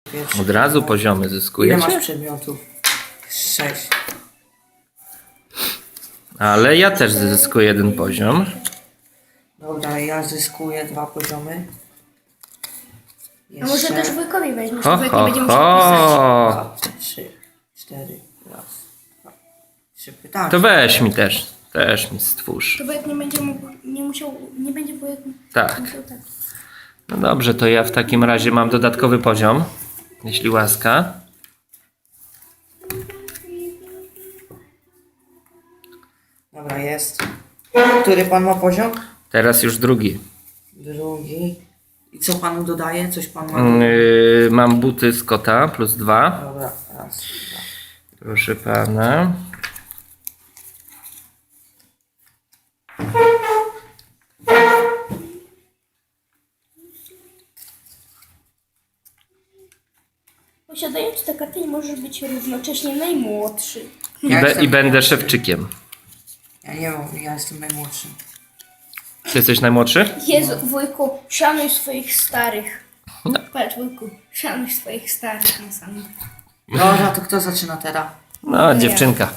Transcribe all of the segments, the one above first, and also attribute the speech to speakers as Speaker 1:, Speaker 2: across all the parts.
Speaker 1: Pierwszy.
Speaker 2: Od razu poziomy
Speaker 1: Ile
Speaker 2: zyskujecie?
Speaker 1: masz przedmiotów? 6.
Speaker 2: Ale ja też zyskuję jeden poziom.
Speaker 1: Dobra, ja zyskuję 2 poziomy.
Speaker 3: A może też wujkowi weźmiesz,
Speaker 2: Ho,
Speaker 3: wujek
Speaker 2: ho,
Speaker 3: nie będzie musiał pisać.
Speaker 2: ho.
Speaker 1: 2, 3, 4, raz, 2, 3 pytania.
Speaker 2: To weź mi też. Też mi stwórz.
Speaker 3: To wujek nie będzie mógł, nie będzie wujek
Speaker 2: Tak.
Speaker 3: musiał tak.
Speaker 2: No dobrze, to ja w takim razie mam dodatkowy poziom. Jeśli łaska.
Speaker 1: Dobra, jest. Który pan ma poziom?
Speaker 2: Teraz już drugi.
Speaker 1: Drugi. I co panu dodaje? Coś pan ma?
Speaker 2: Mam buty z kota plus 2.
Speaker 1: Dobra, raz, 2.
Speaker 2: Proszę pana.
Speaker 3: Posiadając tę kartę nie możesz być równocześnie najmłodszy.
Speaker 2: I będę szewczykiem.
Speaker 1: Ja nie wiem, ja jestem najmłodszy.
Speaker 2: Ty jesteś najmłodszy?
Speaker 3: Jezu, wujku, szanuj swoich starych. Patrz, wujku, szanuj swoich starych na samym.
Speaker 1: Dobra, to kto zaczyna teraz?
Speaker 2: No, dziewczynka.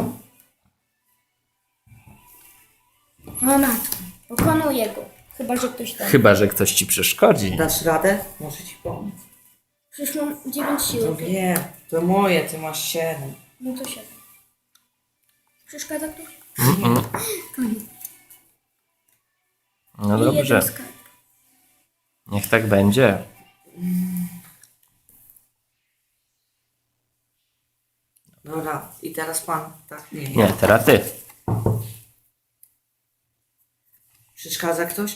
Speaker 3: O matko, pokonuję go. Chyba, że ktoś tam.
Speaker 2: Chyba że ktoś ci przeszkodzi.
Speaker 1: Dasz radę? Muszę ci pomóc.
Speaker 3: Przecież mam 9 sił.
Speaker 1: No wiem, to moje, ty masz 7.
Speaker 3: No to 7. Przeszkadza ktoś? To nie.
Speaker 2: No
Speaker 3: I jeden
Speaker 2: dobrze.
Speaker 3: skarb.
Speaker 2: Niech tak będzie.
Speaker 1: Dobra, i teraz pan, tak? Nie,
Speaker 2: Nie, teraz ty.
Speaker 1: Przeszkadza ktoś?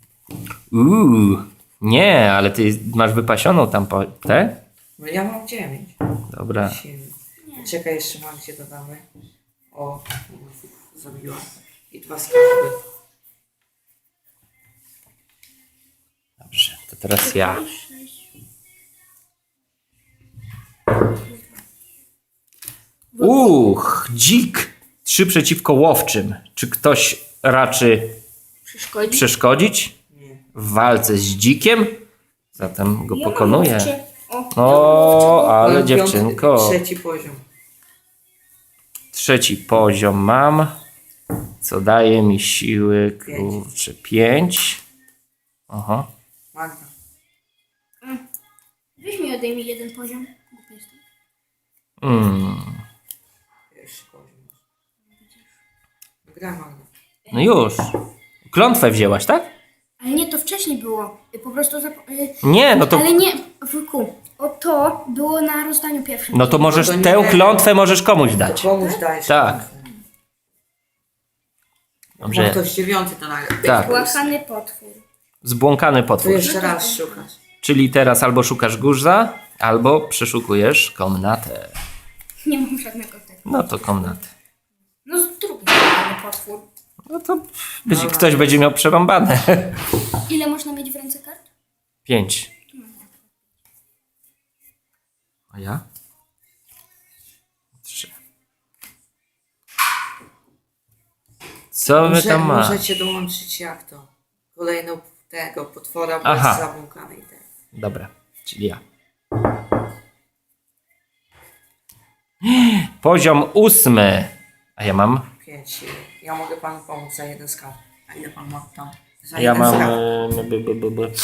Speaker 2: Nie, ale ty masz wypasioną tam tę?
Speaker 1: No ja mam 9.
Speaker 2: Dobra.
Speaker 1: 7. Czekaj, jeszcze mam gdzie dodamy. O, zabiła. I 2 skarby.
Speaker 2: Dobrze, to teraz ja. Dzik. 3 przeciwko łowczym. Czy ktoś raczy
Speaker 3: Przeszkodzi?
Speaker 2: przeszkodzić
Speaker 1: Nie.
Speaker 2: w walce z dzikiem? Zatem go
Speaker 3: Ja mam
Speaker 2: pokonuję.
Speaker 3: łowczy. O,
Speaker 2: O, ale
Speaker 1: Mam
Speaker 2: dziewczynko.
Speaker 1: Trzeci poziom.
Speaker 2: Trzeci poziom mam. Co daje mi siły, kurczę, 5. Aha.
Speaker 1: Magda.
Speaker 3: weź mi odejmij jeden poziom. Głupi jestem.
Speaker 1: Pierwszy poziom. Gra Magda.
Speaker 2: No już. Klątwę wzięłaś, tak?
Speaker 3: Ale nie, to wcześniej było. Po prostu...
Speaker 2: Nie, no to,
Speaker 3: Ale nie, wujku. O to było na rozdaniu pierwszym.
Speaker 2: no to możesz,
Speaker 1: No to nie.
Speaker 2: tę klątwę możesz komuś
Speaker 1: To
Speaker 2: dać.
Speaker 1: komuś dajesz.
Speaker 2: Tak.
Speaker 1: Ma
Speaker 2: Dobrze.
Speaker 1: ktoś 9 to nagle.
Speaker 2: Tak.
Speaker 3: Łachany potwór.
Speaker 2: Zbłąkany
Speaker 1: To
Speaker 2: potwór.
Speaker 1: jeszcze raz szukasz.
Speaker 2: Czyli teraz albo szukasz guza, albo przeszukujesz komnatę.
Speaker 3: Nie mam żadnego tego.
Speaker 2: No to komnatę.
Speaker 3: No z drugiej łachany potwór.
Speaker 2: No to ktoś będzie miał przerąbane.
Speaker 3: Ile można mieć w ręce kart?
Speaker 2: 5. A ja? 3. Co my tam masz?
Speaker 1: Możecie dołączyć jak to? Kolejną tego potwora
Speaker 2: Aha.
Speaker 1: bez zabłąkanej tej.
Speaker 2: Dobra, czyli ja. Poziom 8. A ja mam?
Speaker 1: 5. Ja mogę panu pomóc za jeden skarb. A ile pan ma tam? Za
Speaker 2: Ja
Speaker 1: jeden
Speaker 2: mam...
Speaker 1: skarb.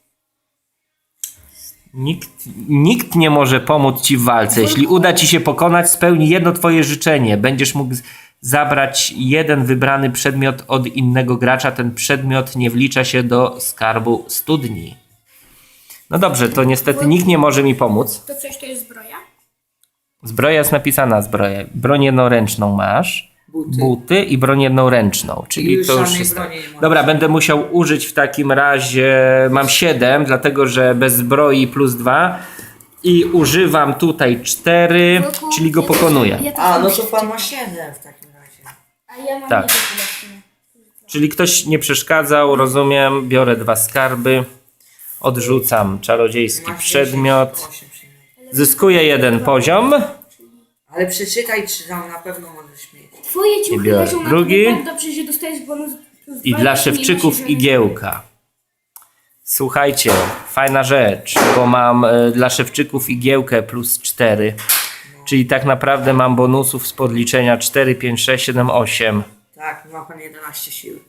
Speaker 2: Nikt nie może pomóc ci w walce. Jeśli uda ci się pokonać, spełni jedno twoje życzenie. Będziesz mógł zabrać jeden wybrany przedmiot od innego gracza. Ten przedmiot nie wlicza się do skarbu studni. No dobrze, to niestety nikt nie może mi pomóc.
Speaker 3: To coś to jest zbroja?
Speaker 2: Zbroja jest napisana zbroja. Broń jednoręczną masz. Buty i broń jednoręczną.
Speaker 1: I
Speaker 2: Czyli
Speaker 1: już
Speaker 2: to już
Speaker 1: żadnej
Speaker 2: jest...
Speaker 1: broni nie możesz.
Speaker 2: Dobra, będę musiał użyć w takim razie... Mam 7, dlatego że bez zbroi plus 2. I używam tutaj 4, czyli go pokonuję.
Speaker 3: Ja też
Speaker 1: A,
Speaker 3: mam
Speaker 1: no to
Speaker 3: siedem.
Speaker 1: pan ma 7 w takim razie.
Speaker 3: A ja mam
Speaker 2: Tak.
Speaker 3: jeden tyle.
Speaker 2: Czyli ktoś nie przeszkadzał, rozumiem. Biorę 2 skarby. Odrzucam czarodziejski
Speaker 1: Masz
Speaker 2: przedmiot.
Speaker 1: 8 przedmiotów.
Speaker 2: Zyskuję 1 poziom.
Speaker 1: Ale przeczytaj, czy tam na pewno możesz mieć.
Speaker 3: Twoje ciuchy
Speaker 2: biorę
Speaker 3: leżą na
Speaker 2: drugi.
Speaker 3: tobie tak dobrze, że dostajesz bonus plus
Speaker 2: I
Speaker 3: 2
Speaker 2: dla
Speaker 3: nie
Speaker 2: szewczyków
Speaker 3: nosisz żadnych-
Speaker 2: igiełka. Słuchajcie, fajna rzecz, bo mam dla szewczyków igiełkę plus 4. Czyli tak naprawdę mam bonusów z podliczenia 4, 5, 6, 7, 8.
Speaker 1: Tak, ma pan 11 sił.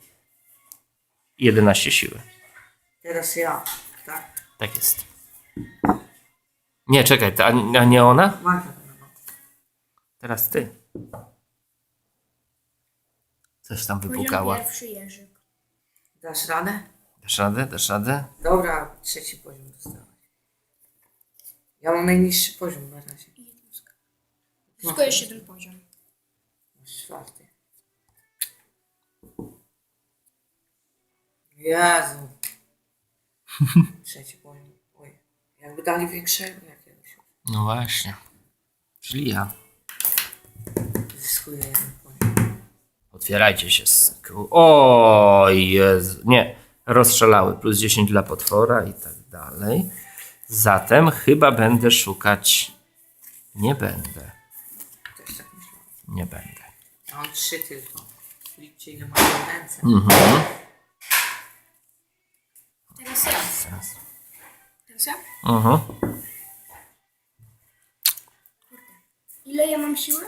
Speaker 2: 11 siły.
Speaker 1: Teraz ja, tak?
Speaker 2: Tak jest. Nie, czekaj, a nie ona?
Speaker 1: Magda, no.
Speaker 2: Teraz ty. Coś tam
Speaker 3: Poziom
Speaker 2: wypukała.
Speaker 3: pierwszy Jerzyk.
Speaker 1: Dasz radę?
Speaker 2: Dasz radę? Dasz radę?
Speaker 1: Dobra, 3. poziom dostałeś. Ja mam najniższy poziom na razie.
Speaker 3: Tylko jeszcze jeden poziom.
Speaker 1: Masz 4. Jezu. 3. poziom. Oj. Jakby dali większego jakiegoś.
Speaker 2: No właśnie. Czyli ja.
Speaker 1: Zyskuję 1 poziom.
Speaker 2: Otwierajcie się. O Jezu. Nie. Rozstrzelały. Plus 10 dla potwora i tak dalej. Zatem chyba będę szukać... Nie będę.
Speaker 1: Też tak myślałem.
Speaker 2: Nie będę.
Speaker 1: Ja mam 3 tylko. Liczcie ile mają ręce.
Speaker 3: Teraz ja. Teraz ja? Ile ja mam siły?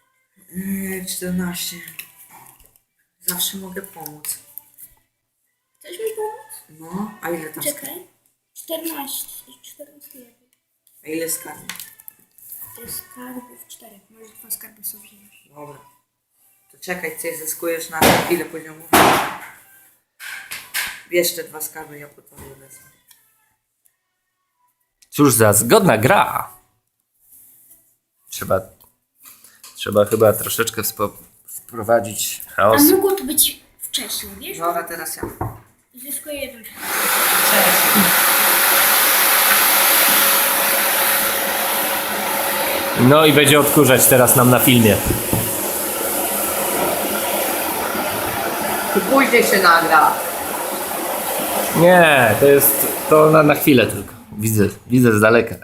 Speaker 1: 14. Zawsze mogę pomóc.
Speaker 3: Chcesz mi pomóc?
Speaker 1: No, a ile tam
Speaker 3: Czekaj. 14. 14 lepiej.
Speaker 1: A ile skarbów?
Speaker 3: To jest skarbów 4. Może 2 skarby sobie wziąć.
Speaker 1: Dobra. To czekaj, coś zyskujesz na ile poziomów? Bierz te 2 skarby, ja po to wezmę.
Speaker 2: Cóż za zgodna gra. Trzeba chyba troszeczkę wprowadzić chaos.
Speaker 3: A mogło to być wcześniej, wiesz?
Speaker 1: Dobra, teraz ja.
Speaker 3: Zyskuję jeden.
Speaker 2: No i będzie odkurzać teraz nam na filmie.
Speaker 1: To później się nagra.
Speaker 2: Nie, to na chwilę tylko. Widzę z daleka.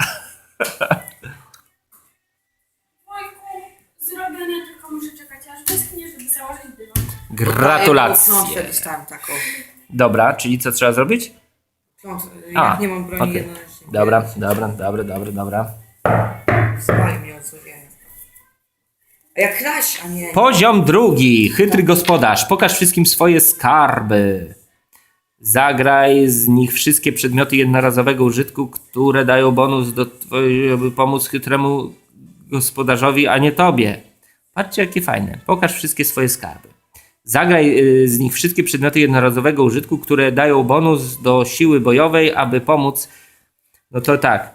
Speaker 3: Zrobione, tylko muszę czekać, aż wyschnie, żeby założyć dywan.
Speaker 2: Gratulacje.
Speaker 1: Klątwę dostałem taką.
Speaker 2: Dobra, czyli co trzeba zrobić?
Speaker 1: Jak nie mam broni
Speaker 2: okej.
Speaker 1: jednocześnie.
Speaker 2: Dobra.
Speaker 1: Spali mnie o co wie. A jak kraść, a nie.
Speaker 2: Poziom drugi. Chytry gospodarz. Pokaż wszystkim swoje skarby. Zagraj z nich wszystkie przedmioty jednorazowego użytku, które dają bonus aby pomóc chytremu gospodarzowi, a nie tobie. Patrzcie, jakie fajne. Pokaż wszystkie swoje skarby. Zagraj z nich wszystkie przedmioty jednorazowego użytku, które dają bonus do siły bojowej, aby pomóc. No to tak.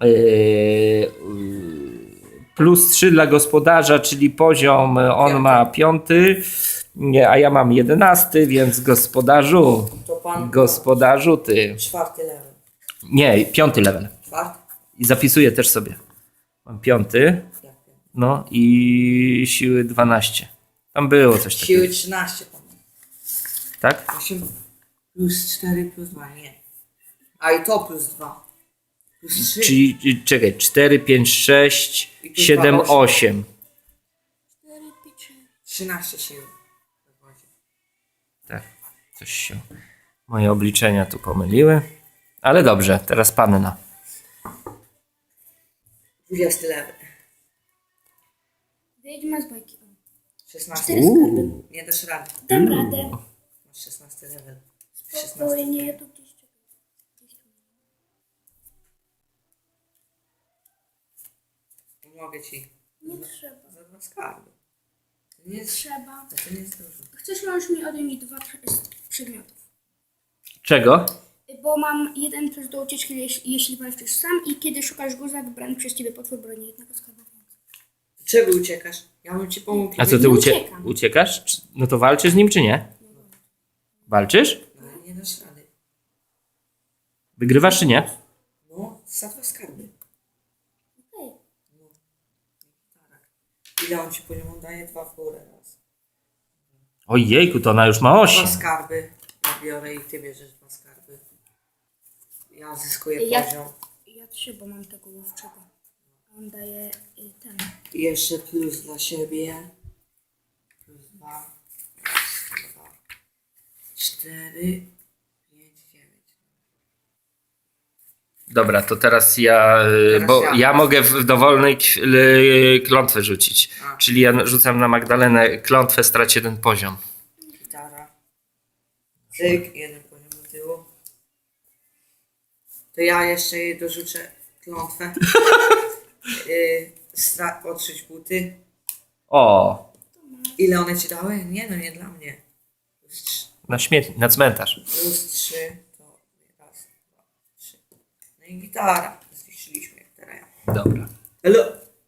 Speaker 2: Plus 3 dla gospodarza, czyli poziom on ma 5, a ja mam 11, więc gospodarzu.
Speaker 1: To pan.
Speaker 2: Gospodarzu ty.
Speaker 1: 4. level.
Speaker 2: Nie, 5 level.
Speaker 1: 4.
Speaker 2: I zapisuję też sobie. Mam 5. No i siły 12. Tam było coś takiego.
Speaker 1: Siły 13 pan.
Speaker 2: Tak?
Speaker 1: 8 plus 4 plus 2, nie. A i to plus 2. Plus 3.
Speaker 2: Czyli czekaj, 4, 5, 6,
Speaker 1: I tu
Speaker 2: 7,
Speaker 1: 2,
Speaker 2: 8.
Speaker 1: 13 sił.
Speaker 2: Tak, coś się. Moje obliczenia tu pomyliły. Ale dobrze, teraz panna.
Speaker 1: 20 level.
Speaker 3: Wiedźma z bajki.
Speaker 1: 16.
Speaker 3: 4 skarby.
Speaker 1: Nie dasz rady.
Speaker 3: Dam radę.
Speaker 1: Masz 16 level.
Speaker 3: Spokojnie, ja tu gdzieś czekam.
Speaker 1: Pomogę ci.
Speaker 3: Nie trzeba.
Speaker 1: Za 2 skarby. To nie jest,
Speaker 3: Trzeba.
Speaker 1: to nie jest dużo.
Speaker 3: Chcesz, możesz mi odjąć 2 przedmiotów.
Speaker 2: Czego?
Speaker 3: Bo mam 1 plus do ucieczki, jeśli walczysz sam i kiedy szukasz guza, wybrany przez ciebie potwór broni jednego skarbu.
Speaker 1: Czego uciekasz? Ja bym ci pomógł.
Speaker 2: A co ty
Speaker 3: Nie uciekam.
Speaker 2: uciekasz? No to walczysz z nim czy nie? Walczysz?
Speaker 1: No, nie dasz rady.
Speaker 2: Wygrywasz czy nie?
Speaker 1: No, za 2 skarby.
Speaker 3: Okej.
Speaker 1: Ile on ci poziomu daje? 2 w górę raz.
Speaker 2: Ojejku, to ona już ma
Speaker 1: 2
Speaker 2: 8.
Speaker 1: skarby. Ja biorę i ty bierzesz 2 skarby. Ja zyskuję
Speaker 3: Ja-
Speaker 1: poziom.
Speaker 3: Ja 3, bo mam tego łowczego. On daje ten.
Speaker 1: I jeszcze plus dla siebie. Plus 2. 4, 5, 9.
Speaker 2: Dobra, to teraz ja, bo ja mogę w dowolnej klątwę rzucić.
Speaker 1: A.
Speaker 2: Czyli ja rzucam na Magdalenę klątwę, strać 1 poziom.
Speaker 1: Gitara. Cyk, 1 poziom do tyłu. To ja jeszcze jej dorzucę klątwę. Otrzyć buty.
Speaker 2: O,
Speaker 1: Ile one ci dały? Nie, no nie dla mnie.
Speaker 2: na śmietnik, na cmentarz.
Speaker 1: Plus 3 to raz, 2, 3. No i gitara. Zniszczyliśmy jak teraz ja.
Speaker 2: Dobra.
Speaker 1: Hello.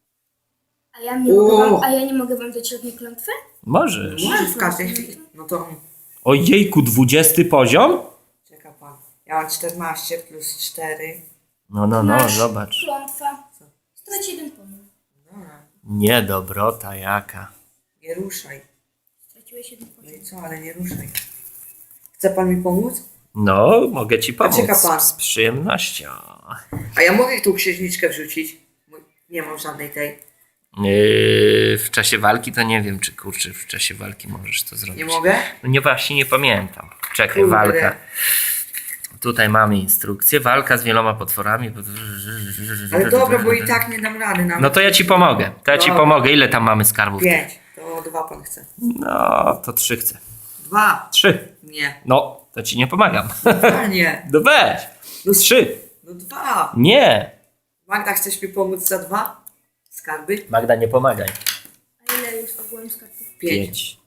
Speaker 3: A ja nie mogę wam dać żadnej klątwy?
Speaker 2: Możesz.
Speaker 1: Może w każdej chwili. No to
Speaker 2: Ojejku, 20 poziom?
Speaker 1: czeka pan. Ja mam 14 plus 4.
Speaker 2: No,
Speaker 3: Masz
Speaker 2: zobacz.
Speaker 3: klątwa. Strać 1 poziom.
Speaker 1: Dobra.
Speaker 2: Nie dobrota jaka.
Speaker 1: Nie ruszaj.
Speaker 3: Straciłeś 1
Speaker 1: No
Speaker 3: poziom.
Speaker 1: i co, ale nie ruszaj. Chce pan mi pomóc?
Speaker 2: No, mogę ci pomóc.
Speaker 1: czeka pan.
Speaker 2: Z przyjemnością.
Speaker 1: A ja mogę tu księżniczkę wrzucić? Bo nie mam żadnej tej.
Speaker 2: W czasie walki to nie wiem, czy kurczę, w czasie walki możesz to zrobić.
Speaker 1: Nie mogę?
Speaker 2: No nie, właśnie nie pamiętam. Czekaj,
Speaker 1: Kurde.
Speaker 2: walka. Tutaj mamy instrukcję. Walka z wieloma potworami.
Speaker 1: Ale dobra, bo i tak nie dam rady.
Speaker 2: No to ja ci pomogę.
Speaker 1: Dobra.
Speaker 2: Ile tam mamy skarbów?
Speaker 1: 5. To 2 pan chce.
Speaker 2: No, to 3 chcę.
Speaker 1: 2.
Speaker 2: 3.
Speaker 1: Nie.
Speaker 2: No, to ci nie pomagam.
Speaker 1: 2 nie.
Speaker 2: No weź.
Speaker 1: No
Speaker 2: 3.
Speaker 1: No 2.
Speaker 2: Nie.
Speaker 1: Magda, chcesz mi pomóc za 2? Skarby?
Speaker 2: Magda, nie pomagaj.
Speaker 3: A ile jest ogółem skarbów?
Speaker 1: 5.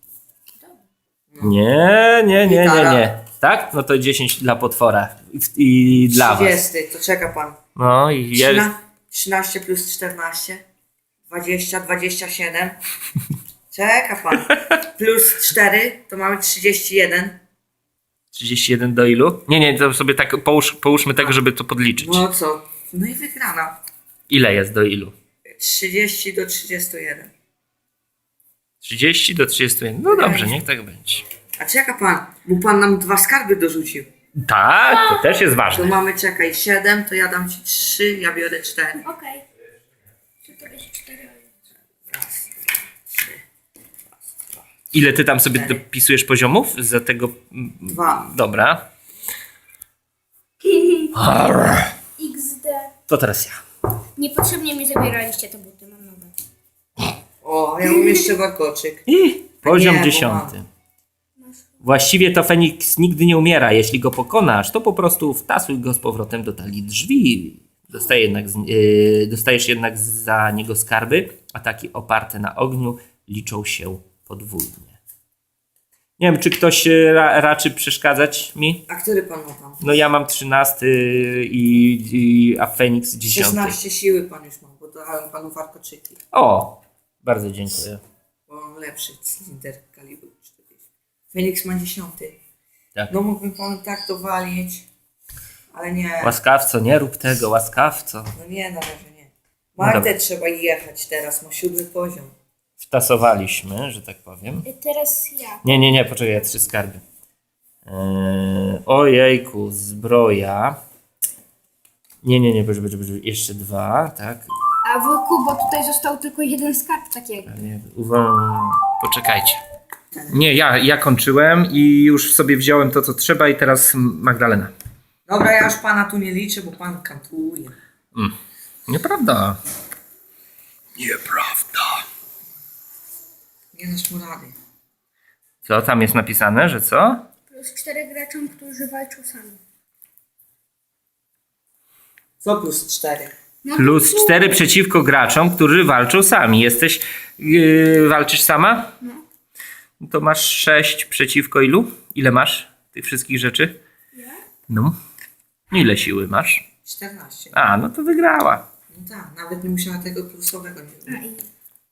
Speaker 2: Nie. Tak? No to 10 dla potwora. I dla was.
Speaker 1: 30. To czeka pan.
Speaker 2: No i jest.
Speaker 1: 13 plus 14. 20, 27. Czeka pan. Plus 4 to mamy 31.
Speaker 2: 31 do ilu? Nie, to sobie tak połóżmy tego, żeby to podliczyć.
Speaker 1: No co? No i wygrana.
Speaker 2: Ile jest do ilu?
Speaker 1: 30 do 31.
Speaker 2: 30 do 31. No dobrze, niech tak będzie.
Speaker 1: A czeka pan, bo pan nam 2 skarby dorzucił.
Speaker 2: Tak, to też jest
Speaker 1: To
Speaker 2: ważne.
Speaker 1: mamy, czekaj, 7, to ja dam ci 3, ja biorę 4.
Speaker 3: Okej. To to jest 4.
Speaker 1: Raz, 2, 3,
Speaker 2: Ile ty tam sobie dopisujesz poziomów za tego?
Speaker 1: 2.
Speaker 2: Dobra.
Speaker 3: XD.
Speaker 2: To teraz ja.
Speaker 3: Niepotrzebnie mi zabieraliście te buty, mam nowe.
Speaker 1: O, ja mam jeszcze warkoczyk.
Speaker 2: Poziom
Speaker 1: Nie, bo
Speaker 2: 10.
Speaker 1: mam.
Speaker 2: Właściwie to Feniks nigdy nie umiera. Jeśli go pokonasz, to po prostu wtasuj go z powrotem do talii drzwi. Dostajesz jednak za niego skarby. Ataki oparte na ogniu liczą się podwójnie. Nie wiem, czy ktoś raczy przeszkadzać mi?
Speaker 1: A który pan ma tam?
Speaker 2: No ja mam 13 a Feniks 10.
Speaker 1: 16 siły pan już ma, bo dałem panu warkoczyki.
Speaker 2: O, bardzo dziękuję.
Speaker 1: Bo mam lepszy cylinder kalibru 40. Feniks ma 10.
Speaker 2: Tak.
Speaker 1: No mógłbym panu tak dowalić, ale nie.
Speaker 2: Łaskawco, nie rób tego, łaskawco.
Speaker 1: No nie, na razie nie.
Speaker 2: No
Speaker 1: Magdę
Speaker 2: dobra.
Speaker 1: trzeba jechać teraz, ma 7 poziom.
Speaker 2: Wtasowaliśmy, że tak powiem.
Speaker 3: Teraz ja.
Speaker 2: Nie, poczekaj, ja 3 skarby. Ojejku, zbroja. Nie, jeszcze 2, tak.
Speaker 3: A wujku, bo tutaj został tylko 1 skarb takiego.
Speaker 2: Poczekajcie. Nie, ja kończyłem i już sobie wziąłem to, co trzeba i teraz Magdalena.
Speaker 1: Dobra, ja już pana tu nie liczę, bo pan kantuje.
Speaker 2: Nieprawda. Nieprawda.
Speaker 1: Nie dasz mu rady.
Speaker 2: Co tam jest napisane, że co?
Speaker 3: Plus 4 graczom, którzy walczą sami.
Speaker 1: Co plus 4?
Speaker 3: No,
Speaker 2: Plus 4 przeciwko graczom, którzy walczą sami. Walczysz sama?
Speaker 3: No.
Speaker 2: To masz 6 przeciwko ilu? Ile masz tych wszystkich rzeczy?
Speaker 3: Ja?
Speaker 2: No. Ile siły masz?
Speaker 1: 14.
Speaker 2: A, no to wygrała.
Speaker 1: No tak, nawet nie musiała tego plusowego nie
Speaker 3: A
Speaker 1: robić.
Speaker 3: i...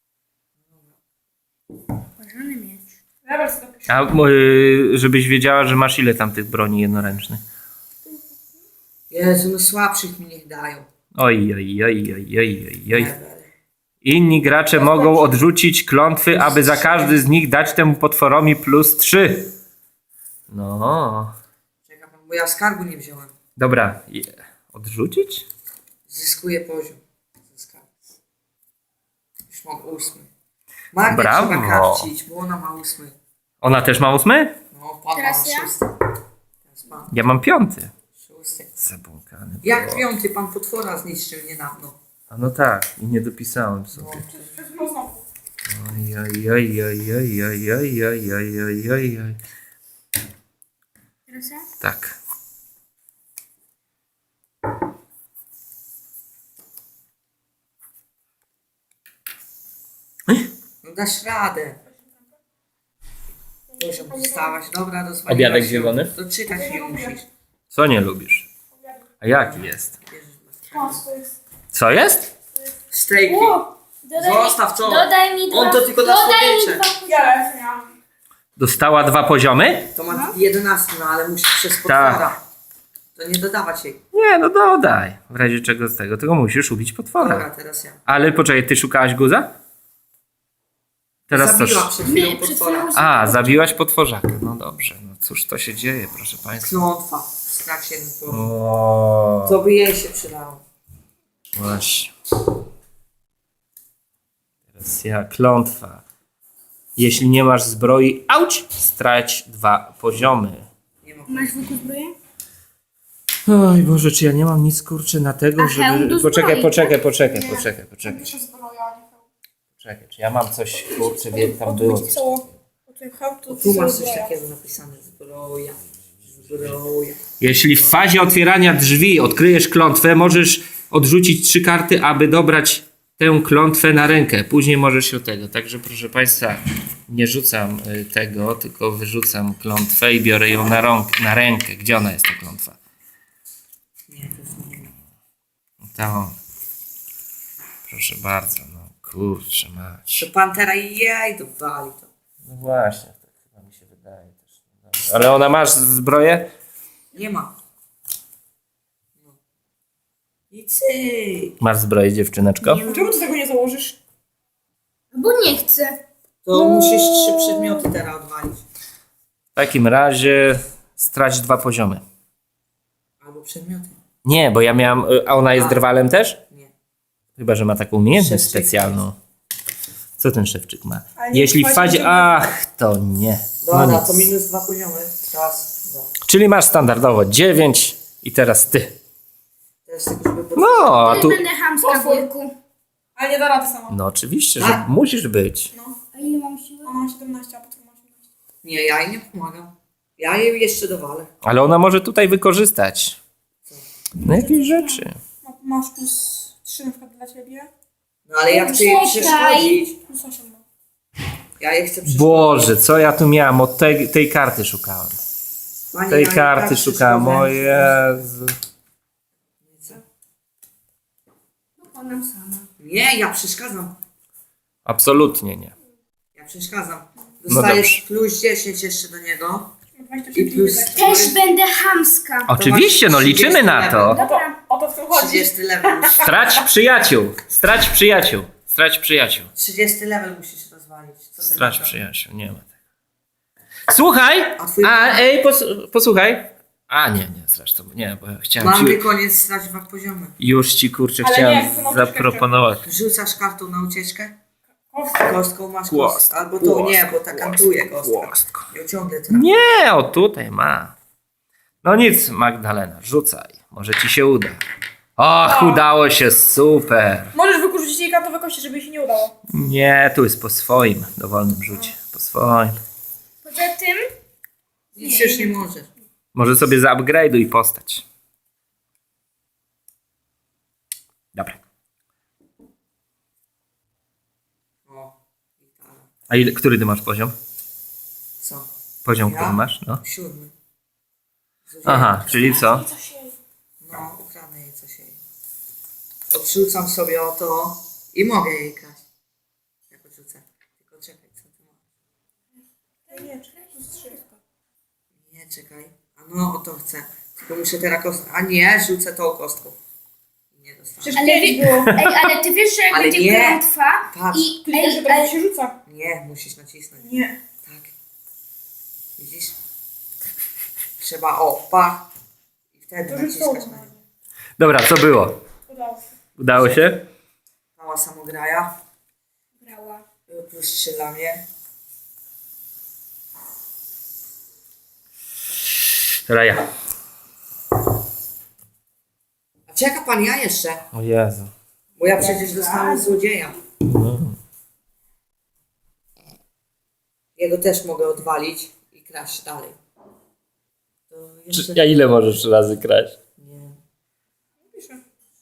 Speaker 3: Uważany miecz.
Speaker 2: A żebyś wiedziała, że masz ile tam tych broni jednoręcznych.
Speaker 1: Jezu, no słabszych mi niech dają.
Speaker 2: Oj.
Speaker 1: Ever.
Speaker 2: Inni gracze mogą odrzucić klątwy, aby za każdy z nich dać temu potworowi plus 3. No.
Speaker 1: Czeka pan, bo ja skarbu nie wziąłem.
Speaker 2: Dobra. Odrzucić?
Speaker 1: Zyskuję poziom. Zyskałem. Już mam 8. Magdę
Speaker 2: Brawo.
Speaker 1: trzeba karcić, bo ona ma 8.
Speaker 2: Ona też ma 8?
Speaker 1: No, pan
Speaker 3: Teraz
Speaker 1: ma
Speaker 3: ja?
Speaker 1: 6. Teraz pan.
Speaker 2: Ja mam 5.
Speaker 1: 6. Pusty.
Speaker 2: Zabłąkany.
Speaker 1: Jak
Speaker 2: było.
Speaker 1: 5. pan potwora zniszczył niedawno.
Speaker 2: A no tak, i nie dopisałem sobie. Oj, oj, oj, oj, oj, oj, oj, oj, oj, oj, oj, oj.
Speaker 3: Teraz ja?
Speaker 2: Tak.
Speaker 1: No dasz radę. Muszę wstawać. Dobra, rozwaliłaś
Speaker 2: Obiadek
Speaker 1: się.
Speaker 2: zielony?
Speaker 1: Doczytać nie musisz.
Speaker 2: Co nie lubisz? A jaki jest? Co jest?
Speaker 1: Stejki. Zostaw to.
Speaker 3: Dodaj mi
Speaker 1: On to tylko na słodycze.
Speaker 2: Dostała 2 poziomy?
Speaker 1: To ma 11, no ale musisz przez potwora. To nie dodawać jej.
Speaker 2: Nie, no dodaj. W razie czego z tego, tylko musisz ubić potwora.
Speaker 1: Dobra, teraz ja.
Speaker 2: Ale poczekaj, ty szukałaś guza? Teraz
Speaker 1: Zabiła
Speaker 2: coś.
Speaker 1: przed chwilą
Speaker 3: Nie, przed
Speaker 1: potwora.
Speaker 3: chwilą-
Speaker 2: A, zabiłaś potworzaka. No dobrze, no cóż to się dzieje, proszę państwa.
Speaker 1: Klątwa. Strach 7 punktów.
Speaker 2: O,
Speaker 1: Co by jej się przydało?
Speaker 2: właśnie. Teraz ja, klątwa. Jeśli nie masz zbroi, auć, strać 2 poziomy.
Speaker 1: Nie ma.
Speaker 3: Masz wujku zbroję?
Speaker 2: Oj Boże, czy ja nie mam nic kurczę na tego,
Speaker 3: A hełm
Speaker 2: żeby...
Speaker 3: do
Speaker 2: Poczekaj,
Speaker 3: zbroi,
Speaker 2: poczekaj. Czy ja mam coś, kurczę, wiem, tam było coś.
Speaker 1: Tu masz coś takiego napisane. Zbroja. Zbroja.
Speaker 2: Jeśli w fazie otwierania drzwi odkryjesz klątwę, możesz odrzucić 3 karty, aby dobrać tę klątwę na rękę. Później możesz się tego. Także proszę Państwa, nie rzucam tego, tylko wyrzucam klątwę i biorę ją na rękę. Gdzie ona jest, ta klątwa?
Speaker 1: Nie, to jest nie.
Speaker 2: To. Proszę bardzo, no kurczę mać.
Speaker 1: To pantera jej dowali to.
Speaker 2: No właśnie, tak chyba mi się wydaje też. Dobrze. Ale ona masz zbroję?
Speaker 1: Nie ma. No. I cyk.
Speaker 2: Masz zbroję, dziewczyneczko?
Speaker 4: Czemu ty tego nie założysz?
Speaker 3: Bo nie chcę.
Speaker 1: To musisz 3 przedmioty teraz odwalić.
Speaker 2: W takim razie strać 2 poziomy.
Speaker 1: Albo przedmioty.
Speaker 2: Nie, bo ja miałam... A ona jest
Speaker 1: A.
Speaker 2: drwalem też?
Speaker 1: Nie.
Speaker 2: Chyba, że ma taką umiejętność
Speaker 1: Szewczyk
Speaker 2: specjalną. Co ten szewczyk ma?
Speaker 4: Ale nie
Speaker 2: Jeśli w
Speaker 4: wchodzi
Speaker 2: fazie...
Speaker 4: do-
Speaker 2: Ach, to nie. No
Speaker 1: Dobra,
Speaker 2: nic.
Speaker 1: to minus 2 poziomy. Raz, 2.
Speaker 2: Czyli masz standardowo 9 i teraz ty.
Speaker 1: Teraz tylko żeby
Speaker 2: No, a tu...
Speaker 3: Będę chamska, wujku.
Speaker 4: Ale nie da rady sama.
Speaker 2: No oczywiście, że
Speaker 1: Tak.
Speaker 2: musisz być.
Speaker 3: A ile mam siły?
Speaker 4: Ona ma 17, a potwór ma 18.
Speaker 1: Nie, ja jej nie pomagam. Ja jej jeszcze dowalę.
Speaker 2: Ale ona może tutaj wykorzystać. No jakieś rzeczy.
Speaker 4: Masz plus 3 na przykład dla ciebie.
Speaker 1: No ale ja chcę jej
Speaker 3: Czekaj.
Speaker 1: przeszkodzić.
Speaker 4: Plus 8 ma.
Speaker 1: Ja jej chcę przeszkodzić.
Speaker 2: Boże, co ja tu miałem? Od tej karty szukałem.
Speaker 1: Pani,
Speaker 2: Tej
Speaker 1: ja jej
Speaker 2: karty
Speaker 1: tak
Speaker 2: szukałem, o
Speaker 1: przeszkodzę.
Speaker 2: Jezu.
Speaker 3: Pokonam sama.
Speaker 1: Nie, ja przeszkadzam.
Speaker 2: Absolutnie nie.
Speaker 1: Ja przeszkadzam.
Speaker 2: No
Speaker 1: Dostajesz
Speaker 2: dobrze.
Speaker 1: plus 10 jeszcze do niego.
Speaker 4: Ma 27
Speaker 1: I plus...
Speaker 3: Też będę chamska.
Speaker 2: Oczywiście, no liczymy na to.
Speaker 3: Dobra.
Speaker 4: O to w tym chodzi.
Speaker 1: 30 level.
Speaker 2: Strać przyjaciół. Strać przyjaciół. Strać przyjaciół.
Speaker 1: 30 level musisz rozwalić. Co ty
Speaker 2: Strać
Speaker 1: na to?
Speaker 2: przyjaciół. Nie ma tego. Słuchaj! Ej, posłuchaj. A nie, zresztą nie, bo ja chciałem
Speaker 1: Mamy
Speaker 2: ci...
Speaker 1: koniec strać 2 poziomy.
Speaker 2: Już ci kurczę
Speaker 4: Ale
Speaker 2: chciałem
Speaker 4: nie, to mam
Speaker 2: zaproponować.
Speaker 1: Rzucasz kartą na ucieczkę.
Speaker 4: Kostka.
Speaker 1: Kostką masz
Speaker 2: Kłost,
Speaker 1: kost. Albo to nie, bo ta kantuje kostka.
Speaker 2: Kłostko.
Speaker 1: Ją ciągle trafi.
Speaker 2: Nie, o tutaj ma. No nic, Magdalena, rzucaj. Może ci się uda. Och, udało się, super.
Speaker 4: Możesz wykurzyć jej kartowe kości, żeby jej się nie udało.
Speaker 2: Nie, tu jest po swoim dowolnym rzucie. Po swoim.
Speaker 3: Poza tym
Speaker 1: Nic już nie możesz.
Speaker 2: Może sobie zaupgrade'uj postać. Dobra.
Speaker 1: O, gitara.
Speaker 2: A ile, który ty masz poziom?
Speaker 1: Co?
Speaker 2: Poziom,
Speaker 1: Ja?
Speaker 2: który masz? No.
Speaker 1: 7.
Speaker 2: Aha, czyli co?
Speaker 1: No, ukradnę jej coś jej. Odrzucam sobie o to i mogę jej kraść. Jak odrzucę. Tylko czekaj, co ty masz?
Speaker 4: Nie, plus 3.
Speaker 1: Nie, czekaj. A no, o to chcę. Tylko muszę teraz kostkę. A nie, rzucę tą kostką. Nie dostanę.
Speaker 4: Przecież
Speaker 3: Ale
Speaker 4: 5 było.
Speaker 3: Ej, ale ty wiesz, że jak
Speaker 1: Ale
Speaker 3: będzie
Speaker 1: nie.
Speaker 3: klątwa
Speaker 1: Patrz.
Speaker 3: i...
Speaker 4: Ty wiesz, że
Speaker 3: Ej,
Speaker 4: to
Speaker 3: ale...
Speaker 4: się rzuca.
Speaker 1: Nie, musisz nacisnąć.
Speaker 4: Nie.
Speaker 1: Tak. Widzisz? Trzeba pa. I wtedy
Speaker 4: To już
Speaker 1: naciskać
Speaker 4: to.
Speaker 1: na nią.
Speaker 2: Dobra, co było?
Speaker 4: Udało się.
Speaker 2: Udało się?
Speaker 1: Mała samograja.
Speaker 3: Brała.
Speaker 1: Plus 3 dla mnie.
Speaker 2: Teraz ja.
Speaker 1: Czeka pan, ja jeszcze.
Speaker 2: O Jezu.
Speaker 1: Bo ja przecież dostałem złodzieja. Jego też mogę odwalić i kraść dalej. To jeszcze...
Speaker 2: A ile możesz razy kraść?
Speaker 1: Nie.
Speaker 4: Piszę.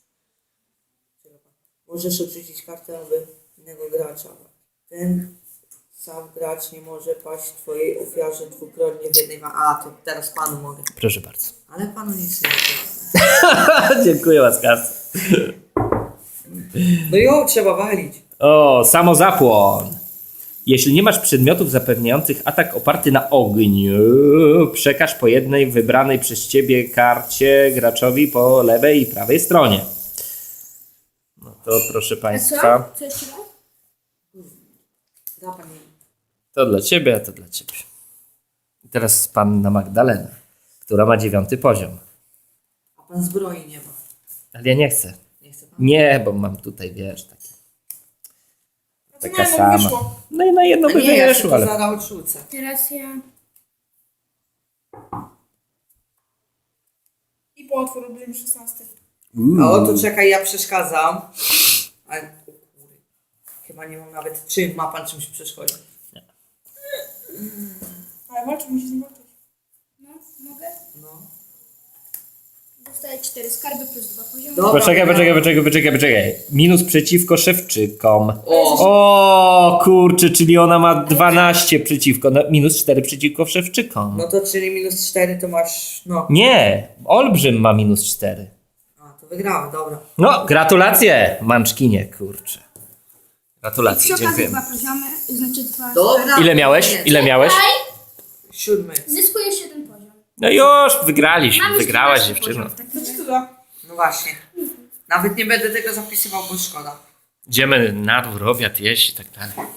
Speaker 1: Możesz odrzucić kartę aby innego gracza. Ten sam gracz nie może paść twojej ofiarze dwukrotnie w jednej A, to teraz panu mogę.
Speaker 2: Proszę bardzo.
Speaker 1: Ale panu nic nie mogę.
Speaker 2: Dziękuję łaskawcy.
Speaker 1: No ją trzeba walić.
Speaker 2: O, samozapłon. Jeśli nie masz przedmiotów zapewniających atak oparty na ogniu, przekaż po jednej wybranej przez ciebie karcie graczowi po lewej i prawej stronie. No to proszę
Speaker 3: A co?
Speaker 2: państwa,
Speaker 3: Co jeszcze raz?
Speaker 1: Da pan jej.
Speaker 2: to dla ciebie, a to dla ciebie. I teraz panna Magdalena, która ma 9 poziom.
Speaker 1: A pan zbroi nie ma.
Speaker 2: Ale ja nie chcę.
Speaker 1: Nie chce pan?
Speaker 2: Nie, bo mam tutaj, wiesz, takie,
Speaker 4: A co
Speaker 2: taka
Speaker 4: mają,
Speaker 2: sama.
Speaker 4: wyszło?
Speaker 2: No i na jedno
Speaker 1: A
Speaker 2: by
Speaker 1: nie, ja się
Speaker 2: wyszło,
Speaker 1: to
Speaker 2: ale...
Speaker 1: zaraz odrzucę.
Speaker 3: Teraz ja...
Speaker 4: I po otwór robimy 16.
Speaker 1: A o to czekaj, ja przeszkadzam. Ale, o kurde. Chyba nie mam nawet czym, ma pan czymś przeszkodzić.
Speaker 4: Ale walczy, musi z nim walczyć.
Speaker 3: No, mogę?
Speaker 1: No.
Speaker 3: Dostaję 4 skarby plus 2 poziomy.
Speaker 1: Dobra.
Speaker 2: Poczekaj. Minus przeciwko szewczykom.
Speaker 1: O,
Speaker 2: O kurczę, czyli ona ma 12 przeciwko, no, minus 4 przeciwko szewczykom.
Speaker 1: no to czyli minus 4 to masz, no.
Speaker 2: Nie, olbrzym ma minus 4.
Speaker 1: A, to wygrałem, dobra.
Speaker 2: No, gratulacje, Manczkinie, kurczę.
Speaker 3: Przy
Speaker 2: Gratulacje,
Speaker 3: okazji
Speaker 2: dziękujemy.
Speaker 3: 2 poziomy, znaczy 2
Speaker 1: Dobra.
Speaker 2: Ile miałeś? Ile miałeś?
Speaker 1: 7.
Speaker 3: Zyskujesz 7 poziom.
Speaker 2: No już, wygraliśmy,
Speaker 3: Mam już
Speaker 2: wygrałaś
Speaker 3: 12
Speaker 2: dziewczyno.
Speaker 3: poziom w takim
Speaker 4: Co ci
Speaker 3: razie.
Speaker 4: to da?
Speaker 1: No właśnie. Nawet nie będę tego zapisywał, bo szkoda.
Speaker 2: Idziemy na dwór, obiad jeść i tak dalej.